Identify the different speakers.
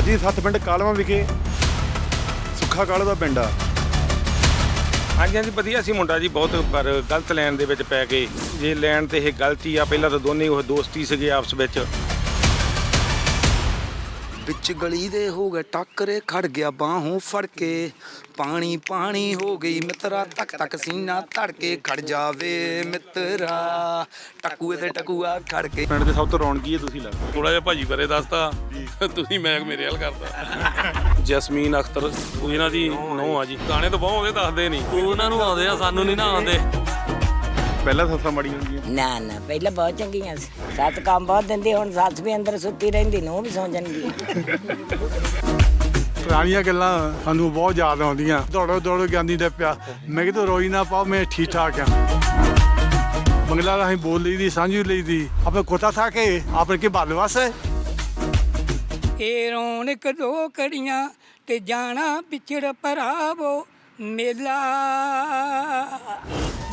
Speaker 1: ਮਾਜੀ 7 ਪਿੰਡ ਕਾਲਵਾ ਵਿਖੇ ਸੁੱਖਾ ਕਾਲੋ ਦਾ ਪਿੰਡ ਆ।
Speaker 2: ਹਾਂਜੀ ਹਾਂਜੀ ਵਧੀਆ ਸੀ ਮੁੰਡਾ ਜੀ ਬਹੁਤ, ਪਰ ਗਲਤ ਲਾਈਨ ਦੇ ਵਿੱਚ ਪੈ ਗਏ। ਜੇ ਲਾਈਨ ਤੇ ਇਹ ਗਲਤੀ ਆ, ਪਹਿਲਾਂ ਤਾਂ ਦੋਨੇ ਉਹ ਦੋਸਤੀ ਸੀਗੇ ਆਪਸ ਵਿੱਚ।
Speaker 3: ਵਿੱਚ ਗਲੀ ਦੇ ਹੋ ਗਏ ਟੱਕਰੇ, ਖੜ ਗਿਆ ਬਾਹੋਂ ਫੜ ਕੇ, ਪਾਣੀ ਪਾਣੀ ਹੋ ਗਈ ਮਿੱਤਰਾ, ਤੱਕ ਤੱਕ ਸੀਨਾ ਧੜ ਕੇ, ਖੜ ਜਾਵੇ ਮਿੱਤਰਾ ਟਕੂਏ ਤੇ ਟਕੂਆ ਖੜ ਕੇ।
Speaker 1: ਪਿੰਡ ਦੇ ਸਭ ਤੋਂ ਰੌਣਕੀ ਹੈ ਤੁਸੀਂ ਲੱਗਦੇ।
Speaker 4: ਥੋੜਾ ਜਿਹਾ ਭਾਜੀ ਬਾਰੇ ਦੱਸਤਾ, ਤੁਸੀਂ ਮੈਂ ਮੇਰੇ ਹਾਲ ਕਰਤਾ। ਜਸਮੀਨ ਅਖਤਰ ਉਹ ਇਹਨਾਂ ਦੀ ਨੂੰਹ ਆ ਜੀ। ਗਾਣੇ ਤਾਂ ਬਹੁਤ ਆਉਂਦੇ, ਦੱਸਦੇ ਨਹੀਂ। ਉਹਨਾਂ ਨੂੰ ਆਉਂਦੇ ਆ, ਸਾਨੂੰ ਨਹੀਂ ਨਾ ਆਉਂਦੇ।
Speaker 1: ਪਹਿਲਾਂ ਸੱਸਾਂ ਮਾੜੀਆਂ ਹੁੰਦੀਆਂ?
Speaker 5: ਨਾ ਪਹਿਲਾਂ ਬਹੁਤ ਚੰਗੀਆਂ ਸੀ। ਸੱਤ ਕੰਮ ਬਹੁਤ ਦਿੰਦੀ, ਹੁਣ ਸੱਸ ਵੀ ਅੰਦਰ ਸੁੱਤੀ ਰਹਿੰਦੀ, ਨੂੰ ਵੀ ਸੌਂ ਜਾਂਦੀ।
Speaker 6: ਪੁਰਾਣੀਆਂ ਗੱਲਾਂ ਸਾਨੂੰ ਬਹੁਤ ਯਾਦ ਆਉਂਦੀਆਂ। ਦੌੜੋ ਜਾਂਦੀ ਦੇ ਪਿਆ, ਮੈਂ ਕਿਹਾ ਰੋਈ ਨਾ ਪਾਓ, ਮੈਂ ਠੀਕ ਠਾਕ ਆ। ਬੰਗਲਾ ਰਾਹੀਂ ਬੋਲ ਲਈ ਦੀ, ਸਾਂਝੀ ਲਈ ਦੀ, ਆਪਣੇ ਕੋਤਾ ਥਾ ਕੇ ਆਪਣੇ ਕੇ ਬਾਲਵਾਸ ਹੈ।
Speaker 7: ਇਹ ਰੌਣਕ ਦੋ ਕੜੀਆਂ ਤੇ ਜਾਣਾ ਪਿਛੜ ਭਰਾਵੋ ਮੇਲਾ।